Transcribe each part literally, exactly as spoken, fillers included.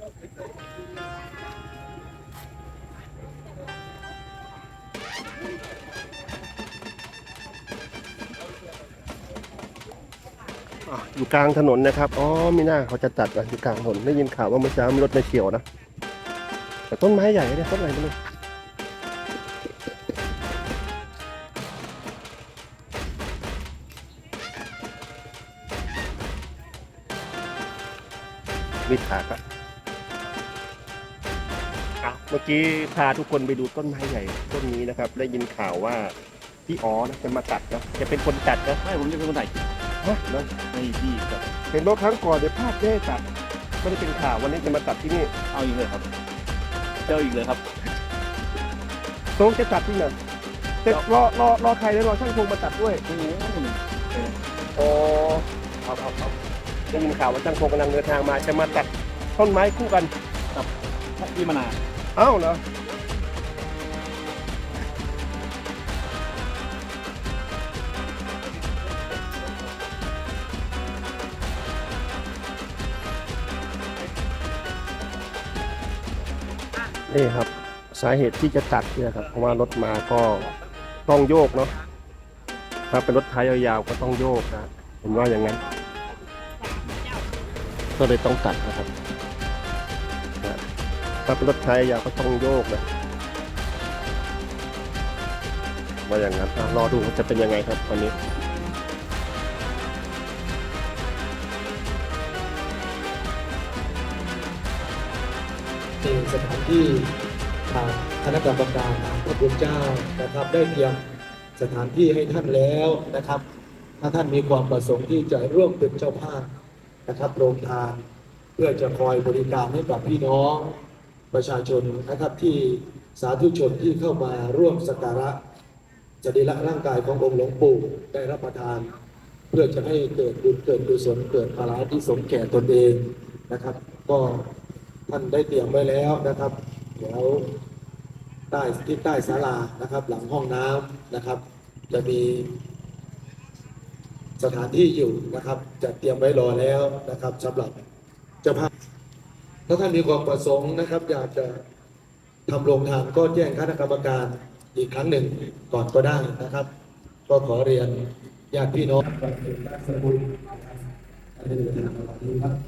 อยู่กลางถนนนะครับอ๋อไม่น่าเขาจะตัดอ่ะอยู่กลางถนนได้ยินข่าวว่าเมื่อเช้ามีรถมาเฉี่ยวนะแต่ต้นไม้ใหญ่เนี่ยต้นอะไรไม่รู้มีถากอะเมื่อกี้พาทุกคนไปดูต้นไม้ใหญ่ต้นนี้นะครับได้ยินข่าวว่าพี่อ๋อนะจะมาตัดนะจะเป็นคนตัดนะไม่ผมจะเป็นคนถ่ายฮะแล้วในที่แบบเห็นว่าครั้งก่อนเดี๋ยวพลาดได้ตัดไม่ได้เป็นข่าววันนี้จะมาตัดที่นี่เอาอีกเลยครับเจ้าอีกเลยครับตรงจะตัดที่ไหนแต่รอรอรอใครแล้วรอช่างพงมาตัดด้วยโอ้เอาเอาเอาได้ยินข่าวว่าช่างพงกำลังเดินทางมาจะมาตัดต้นไม้คู่กันกับพี่มนาเอ้าเหรอนี่ครับสาเหตุที่จะตัดเนี่ยครับเพราะว่ารถมาก็ต้องโยกเนาะถ้าเป็นรถท้ายยาวๆก็ต้องโยกนะเห็นว่าอย่างนั้นก็เลยต้องตัดนะครับถ้าเป็นรถท้ายยาวก็ต้องโยกนะว่าอย่างนั้นรอดูว่าจะเป็นยังไงครับวันนี้ในสถานที่ทางคณะกรรมการพระคุณเจ้านะครับได้เตรียมสถานที่ให้ท่านแล้วนะครับถ้าท่านมีความประสงค์ที่จะร่วมเป็นเจ้าภาพนะครับโรงทานเพื่อจะคอยบริการให้กับพี่น้องประชาชนนะครับที่สาธุชนที่เข้ามาร่วมสักการะสรีระร่างกายขององค์หลวงปู่ได้รับประทานเพื่อจะให้เกิดบุญเกิดกุศลเกิดภาระที่สมแก่ตนเองนะครับก็ท่านได้เตรียมไว้แล้วนะครับเดี๋ยวใต้ที่ใต้ศาลานะครับหลังห้องน้ำนะครับจะมีสถานที่อยู่นะครับจะเตรียมไว้รอแล้วนะครับสำหรับเจ้าภาพถ้าท่านมีความประสงค์นะครับอยากจะทำโรงทานก็แจ้งคณะกรรมการอีกครั้งหนึ่งก่อนก็ได้นะครับก็ขอเรียนญาติพี่น้องสมุนอันนี้เป็นทางปฏิบัติ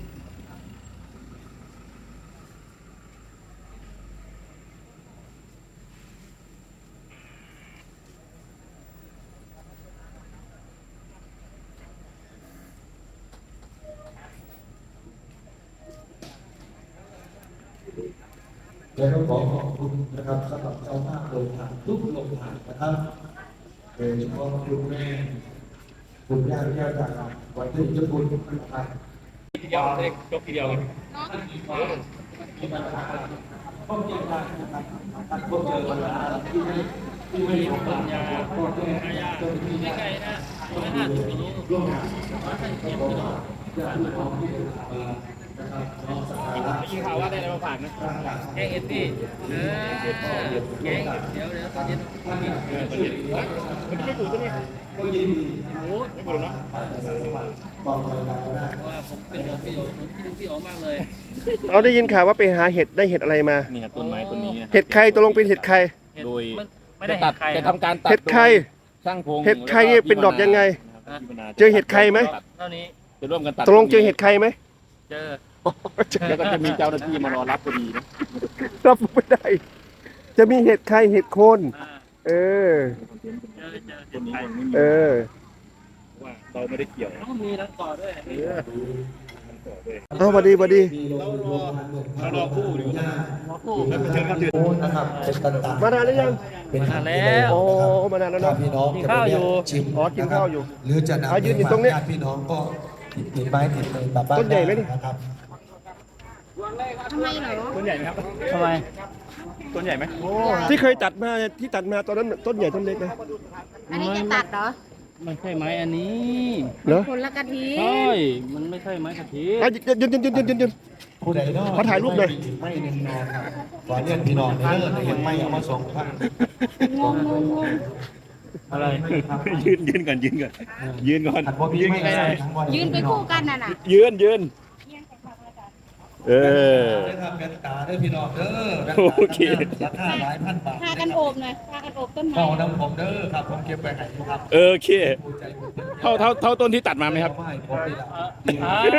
แล้วก็ขอขอบคุณนะครับสำหรับเจ้าภาพโรงทานทุกโรงทานนะครับโดยเฉพาะคุณแม่คุณย่าที่ย่าจากวัดที่เจ้าคุณนะครับทีเดียวเล็กยกทีเดียวเลยที่มาพบเจอกันนะครับพบเจอกันที่ไม่ที่ไม่สมบัติก็เจอเจ้าที่ไม่ไกลนะไม่น่าจะมีร่วมงานนะครับแล้วก็ญาติพี่น้องที่เดินทางมานะครับน้องสักการะยิงข่าวว่าได้อะไรมาฝากนะแกงเอ็ดดี้เออแกงเดี๋ยวเดี๋ยวตอนเย็นมันไม่ถูกตัวนี้ก็ยินดีโอ้ไม่ถูกเนาะบอกเลยนะได้ว่าผมเป็นพี่ผมคิดถึงพี่อ๋อมากเลยเราได้ยินข่าวว่าไปหาเห็ดได้เห็ดอะไรมานี่ครับต้นไม้ต้นนี้เห็ดใครตกลงเป็นเห็ดใครโดยไม่ได้ตัดจะทำการตัดเห็ดใครช่างพงเห็ดใครเนี่ยเป็นดอกยังไงเจอเห็ดใครไหมเท่านี้จะร่วมกันตัดตกลงเจอเห็ดใครไหมเจอแล้วก็จะมีเจ้าหน้าที่มารอรับพอดีนะรับไม่ได้ จะมีเห็ดใครเห็ดโคนเออเจอเจอเห็ดไทยเออว่าเราไม่ได้เกี่ยวต้องมีทั้งต่อด้วยเอาสวัสดีสวัสดีเรารอเรารอคู่อยู่นะรอคู่แล้วเชิญครับนะครับเป็นต่างๆมานานหรือยังเป็นมาแล้วโอ้มานานแล้วเนาะพี่น้องกินข้าวอยู่ชิมอ๋อกินข้าวอยู่หรือจะนำอ่ะยืนอยู่ตรงนี้ญาติพี่น้องก็ติดไม้ติดมือกลับบ้านต้นใหญ่ไหมนี่นะครับทำไมเหรอต้นใหญ่ไหมครับทำไมต้นใหญ่ไหมที่เคยตัดมาที่ตัดมาตอนนั้นต้นใหญ่ต้นเล็กนะอันนี้จะตัดเหรอไม่ใช่ไม้อันนี้เหรอคนละกะทิใช่มันไม่ใช่ไม้กะทิอ่ะยืนยืนยืนยืนยืนยืนผู้ใดเนาะขอถ่ายรูปหน่อยไม่เน้นนอนครับขอเรียนพี่น้องในเรื่องเห็นไม่เอามาส่งครับอะไรยืนยืนก่อนยืนก่อนยืนก่อนอันพวกพี่ไม่ได้ยืนไปคู่กันน่ะน่ะยืนยืนเออนะครับเป็นตาเด้อพี่น้องเด้อโอเคราคาหลายพันบาทพากันโอบหน่อยพากันโอบต้นไม้เฝ้าน้ำผมเด้อครับผมเก็บไปให้ครับเออโอเคผู้ใจบุญเท่าเท่าเท่าต้นที่ตัดมาไหมครับเอาให้ผมนี่ละอ้าว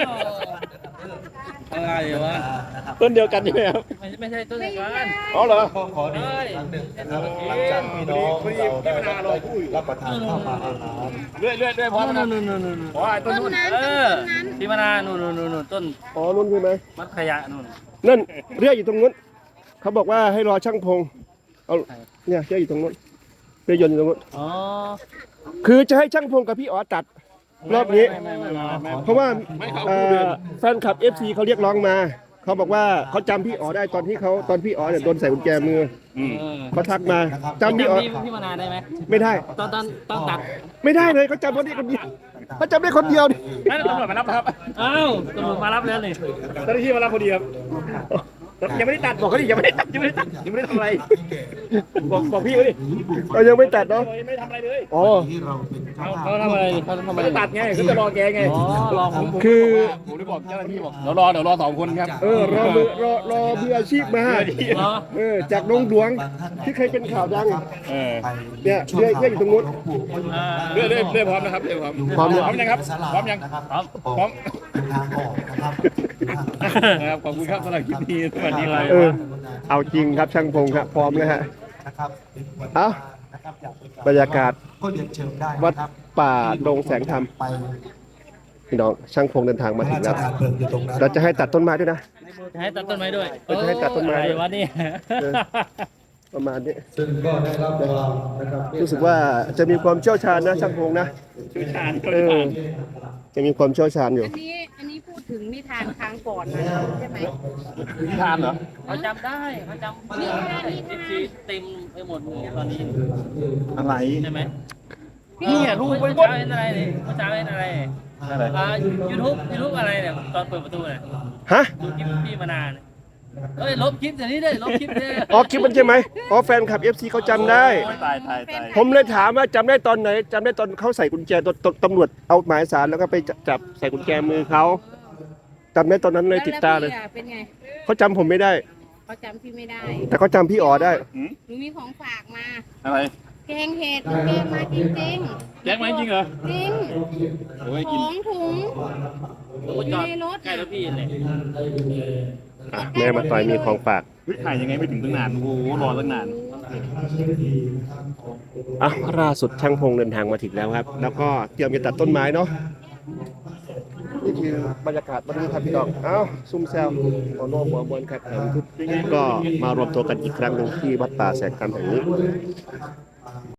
อะไรวะนะครับต้นเดียวกันใช่ไหมครับไม่ไม่ใช่ต้นอย่างนั้นอ๋อเหรอก็ขอดีอีกครั้งหนึ่งนะครับหลังจากพี่น้องเราได้รับประทานข้าวปลาอาหารเรื่อยเรื่อยเรื่อยพร้อมนะครับนู่นนู่นนู่นนู่นอ๋อไอ้ต้นต้นนู้นนั้นเอต้อนนั้นที่มานาวนู่นนู่นนู่นนู่นต้นอ๋อนุ่นใช่ไหมมัดขยะนู่นนั่นเรียกอยู่ตรงนู้นเขาบอกว่าให้รอช่างพงเอาเนี่ยเรียกอยู่ตรงนู้นเรียกยนต์อยู่ตรงนู้นอ๋อคือจะให้ช่างพงกับพี่อ๋อตัดรอบนี้ไม่ไม่ไม่ไม่ไม่เพราะว่าเอ่อแฟนคลับ เอฟ ซี เขาเรียกร้องมา เขาบอกว่าเขาจำพี่อ๋อได้ตอนที่เขาตอนพี่อ๋อเนี่ยโดนใส่กุญแจมือเออเขาทักมาจำพี่อ๋อพี่พี่มานาวได้ไหมไม่ได้ตอนตอนตอนตัดไม่ได้เลยเขาจำคนนี้คนเดียวเขาจำได้คนเดียวนี่นั่นตำรวจมารับครับอ้าวตำรวจมารับแล้วนี่เจ้าหน้าที่มารับพอดีครับยังไม่ได้ตัดบอกเขาดิยังไม่ได้ตัดยังไม่ได้ตัดยังไม่ได้ทำอะไรบอกบอกพี่เขาดิเรายังไม่ตัดเนาะยังไม่ได้ทำอะไรเลยอ๋อที่เราเป็นเจ้าเขาภาพเขาทำอะไรเขาทำอะไม่ไรได้ตัดไงเขาจะรอแกไงอ๋อลองผมคือผมได้บอกเจ้าหน้าที่บอกเดี๋ยวรอเดี๋ยวรอสองคนครับเออรอมือรอรอมืออาชีพมาเหรอเออจากนงหลวงที่เคยเป็นข่าวดังเออเนี่ยเรื่อยเรื่อยอยู่ตรงนู้นอ่าเรื่อยเรื่อยเรื่อยพร้อมนะครับเรื่อยพร้อมพร้อมพร้อมยังครับพร้อมยังนะครับพร้อมพร้อมเป็นทางออกนะครับนะครับขอบคุณครับสำหรับคลิปนี้สวัสดีครับเออเอาจริงครับช่างพงครับพร้อมนะฮะนะครับเป็นวันเอ้านะครับอยากเป็นบรรยากาศก็เรียนเชิญได้วัดนะครับป่าดงแสงธรรมไปพี่น้องช่างพงเดินทางพมาระถึราง ชแล้วทานเพลิงอยู่ตรงนั้นเราจะให้ตัดต้นไม้ด้วยนะจะให้ตัดต้นไม้ด้วยเออจะให้ตัดต้นไม้ด้วยอะไรวะเนี่ยเออ ประมาณนี้ซึ่งก็ได้รับความนะครับรู้สึกว่าจะมีความเชี่ยวชาญนะช่างพงนะชื่อชาญเออจะมีความเชี่ยวชาญอยู่อันนี้อันนี้พูดถึงนิทานครั้งก่อนนะใช่ไหมทานเหรอเขาจำได้เขาจำนี่ค่ะนี่เอฟค่ะซีเต็มไปหมดเลยตอนนี้อะไรใช่ไหมนี่ไงรูปเมื่ไว้อบ เช้าน เห็นอะไรเนี่ยเมื่อเช้าเห็นอะไรอะไรอ่ายูทูบยูทูบอะไรเนี่ยตอนเปิดประตูเนี่ยฮะดูคลิปพี่มานานเอ้ยลบคลิปเดี๋ยวนี้เลยลบคลิปเลยอ๋อคลิปมันใช่ไหมอ๋อแฟนคลับ เอฟ ซี เขาจำได้ตายตายตายผมเลยถามว่าจำได้ตอนไหนจำได้ตอนเขาใส่กุญแจตตตำรวจเอาหมายสารแล้วก็ไปจับจับใส่กุญแจมือเขาจำได้ตอนนั้นเลยติดตาเลยแวพี่อะเป็นไงเขาจำผมไม่ได้เขาจำพี่ไม่ได้แต่เขาจำพี่อ๋อได้หนูมีของฝากมาอะไรแกงเห็ดหนูแกงมาจริงๆแจ็คมาจริงเหรอจริงโอ้ยขกินองถุงโอ้ยจอดใกล้รถพี่เลยอ่ะแม่มาต่อยมีของฝากเฮ้ยถ่ายยังไงไม่ถึงตั้งนานโอ้โหรอตั้งนานอ่ะล่าสุดช่างพงเดินทางมาถึงแล้วครับ แล้วก็เตรียมจะตัดต้นไม้เนาะนี่คือบรรยากาศวันนี้ครับพี่น้องเอ้าซุ่มแซวหัวโน้หัวบนครับแถมทุกก็มารวมตัวกันอีกครั้งหนึ่งที่วัดป่าแสงธรรมแห่งนี้